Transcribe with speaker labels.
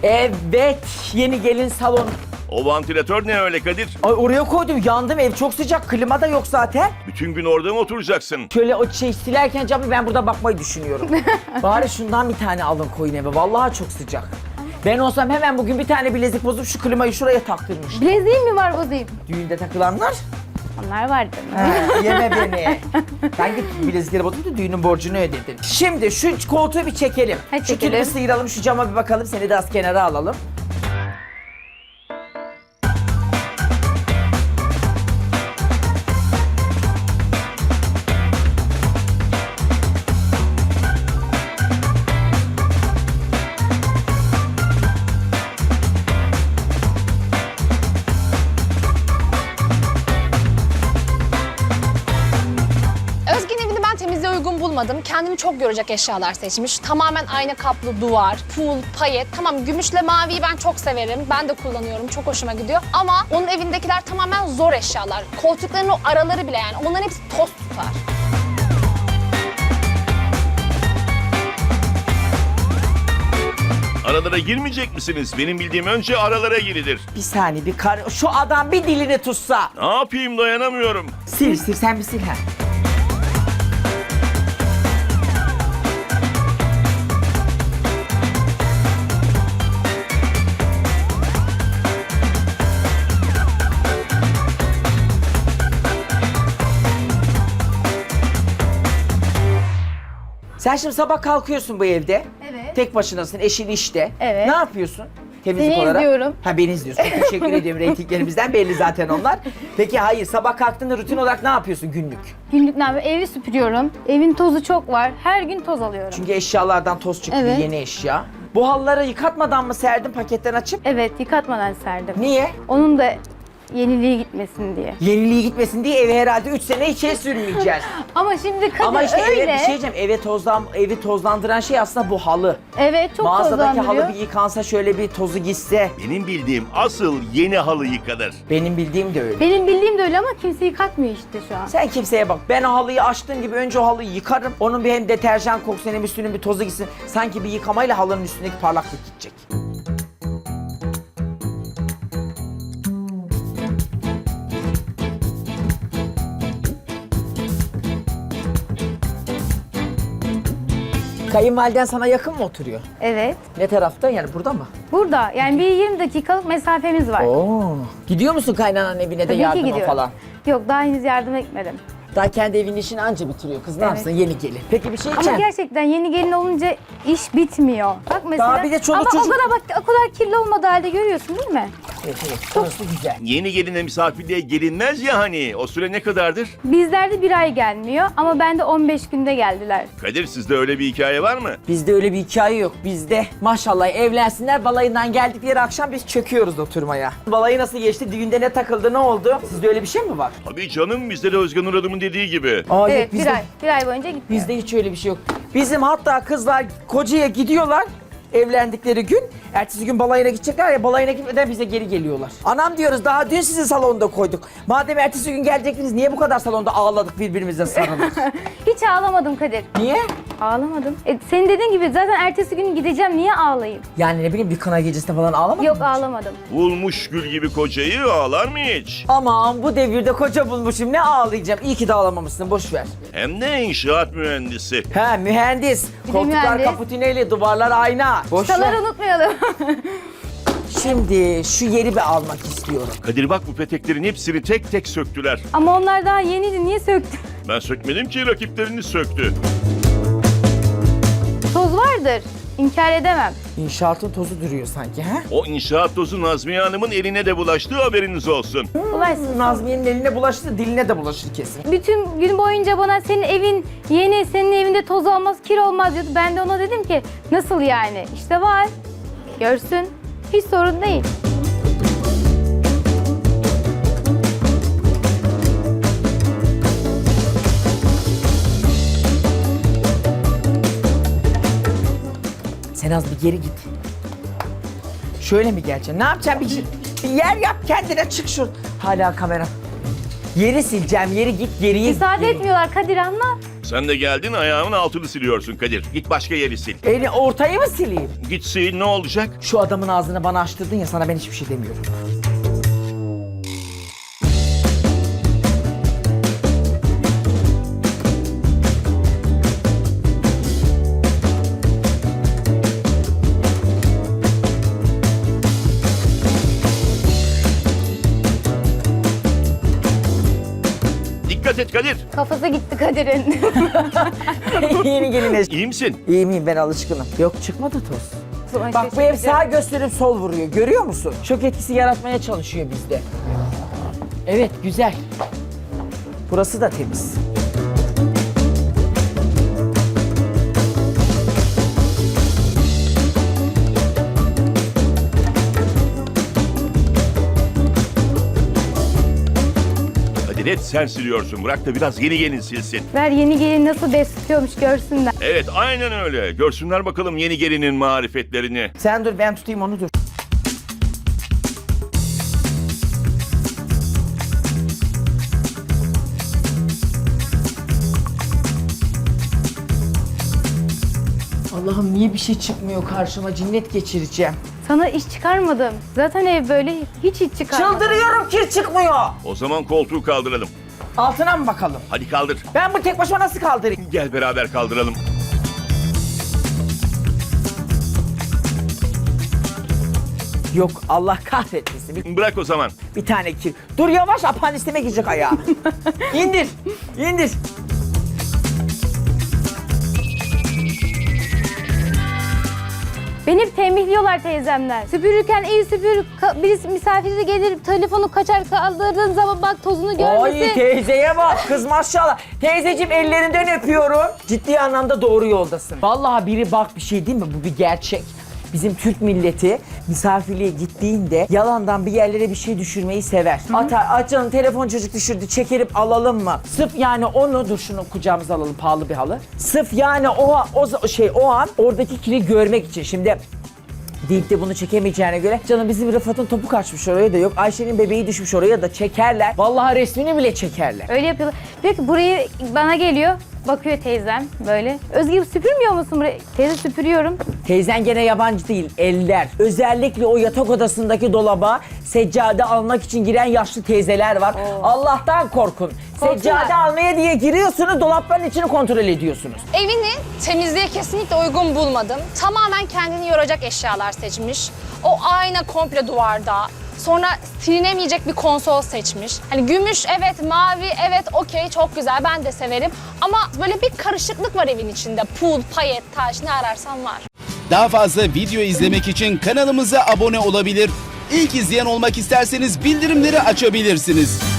Speaker 1: Evet, yeni gelin salonu.
Speaker 2: O vantilatör ne öyle Kadir?
Speaker 1: Ay oraya koydum, yandım, ev çok sıcak, klima da yok zaten.
Speaker 2: Bütün gün orada mı oturacaksın?
Speaker 1: Şöyle o silerken camı ben burada bakmayı düşünüyorum. Bari şundan bir tane alın koyun eve, vallahi çok sıcak. Ben olsam hemen bugün bir tane bilezik bozup şu klimayı şuraya taktırmış.
Speaker 3: Bileziğim mi var bozayım?
Speaker 1: Düğünde takılanlar.
Speaker 3: Onlar vardı.
Speaker 1: Yeme beni. Ben git bilezikleri bozdum da düğünün borcunu ödedin. Şimdi şu koltuğu bir çekelim.
Speaker 3: Hadi
Speaker 1: Şu
Speaker 3: çekelim.
Speaker 1: kilimi sıyıralım, şu cama bir bakalım. Seni de az kenara alalım.
Speaker 4: Özge'nin evini ben temizliğe uygun bulmadım. Kendimi çok görecek eşyalar seçmiş. Tamamen ayna kaplı duvar, pul, payet. Tamam, gümüşle maviyi ben çok severim. Ben de kullanıyorum. Çok hoşuma gidiyor. Ama onun evindekiler tamamen zor eşyalar. Koltukların o araları bile yani. Onların hepsi toz tutar.
Speaker 2: Aralara girmeyecek misiniz? Benim bildiğim önce aralara girilir.
Speaker 1: Bir saniye, şu adam bir dilini tutsa.
Speaker 2: Ne yapayım, dayanamıyorum.
Speaker 1: Sil sen bir sil ha. Sen şimdi sabah kalkıyorsun bu evde.
Speaker 3: Evet.
Speaker 1: Tek başınasın, eşin işte.
Speaker 3: Evet.
Speaker 1: Ne yapıyorsun? Temizlik
Speaker 3: Seni
Speaker 1: olarak.
Speaker 3: izliyorum.
Speaker 1: Ha, beni izliyorsun. Teşekkür ediyorum. Reytinglerimizden belli zaten onlar. Peki hayır, sabah kalktığında rutin olarak ne yapıyorsun günlük?
Speaker 3: Günlük ne yapıyorum? Evi süpürüyorum. Evin tozu çok var. Her gün toz alıyorum.
Speaker 1: Çünkü eşyalardan toz çıktı,
Speaker 3: Evet.
Speaker 1: yeni eşya. Bu halıları yıkatmadan mı serdin paketten açıp?
Speaker 3: Evet, yıkatmadan serdim.
Speaker 1: Niye?
Speaker 3: Onun da yeniliği gitmesin diye.
Speaker 1: Yeniliği gitmesin diye eve herhalde 3 sene içeri sürmeyeceğiz.
Speaker 3: Ama şimdi Kadir
Speaker 1: Ama işte
Speaker 3: öyle.
Speaker 1: eve bir şey diyeceğim. Evi tozlandıran şey aslında bu halı.
Speaker 3: Evet, çok
Speaker 1: Mağazadaki
Speaker 3: tozlandırıyor.
Speaker 1: halı bir yıkansa, şöyle bir tozu gitse.
Speaker 2: Benim bildiğim asıl yeni halı yıkanır.
Speaker 1: Benim bildiğim de öyle.
Speaker 3: Benim bildiğim de öyle ama kimse yıkatmıyor işte şu an.
Speaker 1: Sen kimseye bak. Ben o halıyı açtığım gibi önce o halıyı yıkarım. Onun bir hem deterjan kokusu hem üstünün bir tozu gitsin. Sanki bir yıkamayla halının üstündeki parlaklık gidecek. Kayınvaliden sana yakın mı oturuyor?
Speaker 3: Evet.
Speaker 1: Ne tarafta? Yani burada mı?
Speaker 3: Burada yani bir 20 dakikalık mesafemiz var.
Speaker 1: Oo. Gidiyor musun kaynananın evine de
Speaker 3: Tabii ki
Speaker 1: yardıma
Speaker 3: gidiyorum.
Speaker 1: falan?
Speaker 3: Yok, daha henüz yardım etmedim.
Speaker 1: Daha kendi evinin işini anca bitiriyor. Kız ne
Speaker 3: Evet.
Speaker 1: yapsın? Yeni gelin. Peki bir şey
Speaker 3: Ama
Speaker 1: diyeceğim.
Speaker 3: gerçekten yeni gelin olunca iş bitmiyor. Bak mesela.
Speaker 1: Daha bir de çoluk
Speaker 3: ama
Speaker 1: çocuk-
Speaker 3: o kadar bak, o kadar kirli olmadığı halde görüyorsun değil mi?
Speaker 1: Evet, orası güzel.
Speaker 2: Yeni geline misafirliğe gelinmez ya hani. O süre ne kadardır?
Speaker 3: Bizlerde bir ay gelmiyor ama bende 15 günde geldiler.
Speaker 2: Kadir, sizde öyle bir hikaye var mı?
Speaker 1: Bizde öyle bir hikaye yok. Bizde maşallah evlensinler, balayından geldikleri akşam biz çöküyoruz oturmaya. Balayı nasıl geçti? Düğünde ne takıldı? Ne oldu? Sizde öyle bir şey mi var?
Speaker 2: Tabii canım, bizde de Özgen Nur Hanım'ın dediği gibi.
Speaker 1: Aa,
Speaker 3: Evet,
Speaker 1: yok, bizde,
Speaker 3: bir ay boyunca gitmiyor.
Speaker 1: bizde hiç öyle bir şey yok. Bizim hatta kızlar kocaya gidiyorlar evlendikleri gün. Ertesi gün balayına gidecekler ya, balayına gitmeden bize geri geliyorlar. Anam diyoruz, daha dün sizi salonda koyduk. Madem ertesi gün gelecektiniz, niye bu kadar salonda ağladık, birbirimize sarıldık?
Speaker 3: Hiç ağlamadım Kadir.
Speaker 1: Niye?
Speaker 3: Ağlamadım. Senin dediğin gibi zaten ertesi gün gideceğim, niye ağlayayım?
Speaker 1: Yani ne bileyim, bir kına gecesinde falan ağlamadın
Speaker 3: Yok,
Speaker 1: mı hiç?
Speaker 3: ağlamadım.
Speaker 2: Bulmuş gül gibi kocayı ağlar mı hiç?
Speaker 1: Aman bu devirde koca bulmuşum, ne ağlayacağım. İyi ki de ağlamamışsın, boş ver.
Speaker 2: Hem de inşaat mühendisi.
Speaker 1: He, mühendis.
Speaker 3: de
Speaker 1: Koltuklar
Speaker 3: mühendis.
Speaker 1: kaputineli, duvarlar ayna. Boş ver.
Speaker 3: Çıtaları unutmayalım.
Speaker 1: Şimdi şu yeri bir almak istiyorum.
Speaker 2: Kadir bak, bu peteklerin hepsini tek tek söktüler.
Speaker 3: Ama onlar daha yeniydi, niye söktün?
Speaker 2: Ben sökmedim ki, rakipleriniz söktü.
Speaker 3: Toz vardır, inkar edemem.
Speaker 1: İnşaatın tozu duruyor sanki, he?
Speaker 2: O inşaat tozu Nazmiye Hanım'ın eline de bulaştığı haberiniz olsun.
Speaker 3: Ulaysın.
Speaker 1: Nazmiye'nin eline bulaştı, diline de bulaşır kesin.
Speaker 3: Bütün gün boyunca bana senin evin yeni, senin evinde toz olmaz, kir olmaz diyordu. Ben de ona dedim ki nasıl yani? İşte var, görsün. Hiç sorun değil.
Speaker 1: Sen az bir geri git. Şöyle mi geleceksin? Ne yapacaksın? Bir yer yap kendine, çık şu. Hala kamera. Yeri sileceğim, yeri git, geriye
Speaker 3: Müsaade
Speaker 1: geri.
Speaker 3: etmiyorlar Kadir, anla.
Speaker 2: Sen de geldin ayağımın altını siliyorsun Kadir. Git başka yeri sil.
Speaker 1: Ortayı mı sileyim?
Speaker 2: Git sil, ne olacak?
Speaker 1: Şu adamın ağzını bana açtırdın ya, sana ben hiçbir şey demiyorum.
Speaker 2: Dikkat et Kadir.
Speaker 3: Kafası gitti Kadir'in.
Speaker 1: Yeni geline.
Speaker 2: İyi misin?
Speaker 1: İyi miyim, ben alışkınım. Yok, çıkmadı toz. Bak bu ev sağ gösterip sol vuruyor. Görüyor musun? Şok etkisi yaratmaya çalışıyor bizde. Evet, güzel. Burası da temiz.
Speaker 2: Kadir et sen siliyorsun. Bırak da biraz yeni gelin silsin.
Speaker 3: Ver yeni gelin nasıl besliyormuş görsünler.
Speaker 2: Evet aynen öyle. Görsünler bakalım yeni gelinin marifetlerini.
Speaker 1: Sen dur, ben tutayım onu, dur. Allah'ım niye bir şey çıkmıyor karşıma, cinnet geçireceğim.
Speaker 3: Sana iş çıkarmadım. Zaten ev böyle hiç iş çıkarmadım.
Speaker 1: Çıldırıyorum, kir çıkmıyor.
Speaker 2: O zaman koltuğu kaldıralım.
Speaker 1: Altına mı bakalım?
Speaker 2: Hadi kaldır.
Speaker 1: Ben bu tek başıma nasıl kaldırayım?
Speaker 2: Gel beraber kaldıralım.
Speaker 1: Yok, Allah kahretmesin.
Speaker 2: Bırak o zaman.
Speaker 1: Bir tane kir. Dur yavaş, apandisime girecek ayağı. İndir, indir.
Speaker 3: Beni tembihliyorlar teyzemler. Süpürürken iyi süpür. Birisi misafiri gelir telefonu kaçar kaldırdığın zaman bak tozunu
Speaker 1: Ay
Speaker 3: görmesin.
Speaker 1: teyzeye bak, kız maşallah. Teyzeciğim ellerinden öpüyorum. Ciddi anlamda doğru yoldasın. Vallahi biri bak, bir şey değil mi? Bu bir gerçek. Bizim Türk milleti misafirliğe gittiğinde yalandan bir yerlere bir şey düşürmeyi sever. Atar, canım telefon çocuk düşürdü, çekerip alalım mı? Sırf yani onu, dur şunu kucağımıza alalım, pahalı bir halı. Sırf yani o an oradaki kiri görmek için. Şimdi deyip de bunu çekemeyeceğine göre canım bizim Rıfat'ın topu kaçmış oraya da yok. Ayşe'nin bebeği düşmüş oraya da çekerler. Vallahi resmini bile çekerler.
Speaker 3: Öyle yapıyorlar. Diyor ki burayı bana geliyor. Bakıyor teyzem böyle. Özge süpürmüyor musun burayı? Teyze süpürüyorum.
Speaker 1: Teyzen gene yabancı değil, eller. Özellikle o yatak odasındaki dolaba seccade almak için giren yaşlı teyzeler var. Allah'tan korkun.
Speaker 3: Korksunlar.
Speaker 1: Seccade almaya diye giriyorsunuz, dolapların içini kontrol ediyorsunuz.
Speaker 4: Evini temizliğe kesinlikle uygun bulmadım. Tamamen kendini yoracak eşyalar seçmiş. O ayna komple duvarda. Sonra silinemeyecek bir konsol seçmiş. Hani gümüş evet, mavi evet, okey çok güzel, ben de severim. Ama böyle bir karışıklık var evin içinde. Pul, payet, taş, ne ararsan var.
Speaker 5: Daha fazla video izlemek için kanalımıza abone olabilir. İlk izleyen olmak isterseniz bildirimleri açabilirsiniz.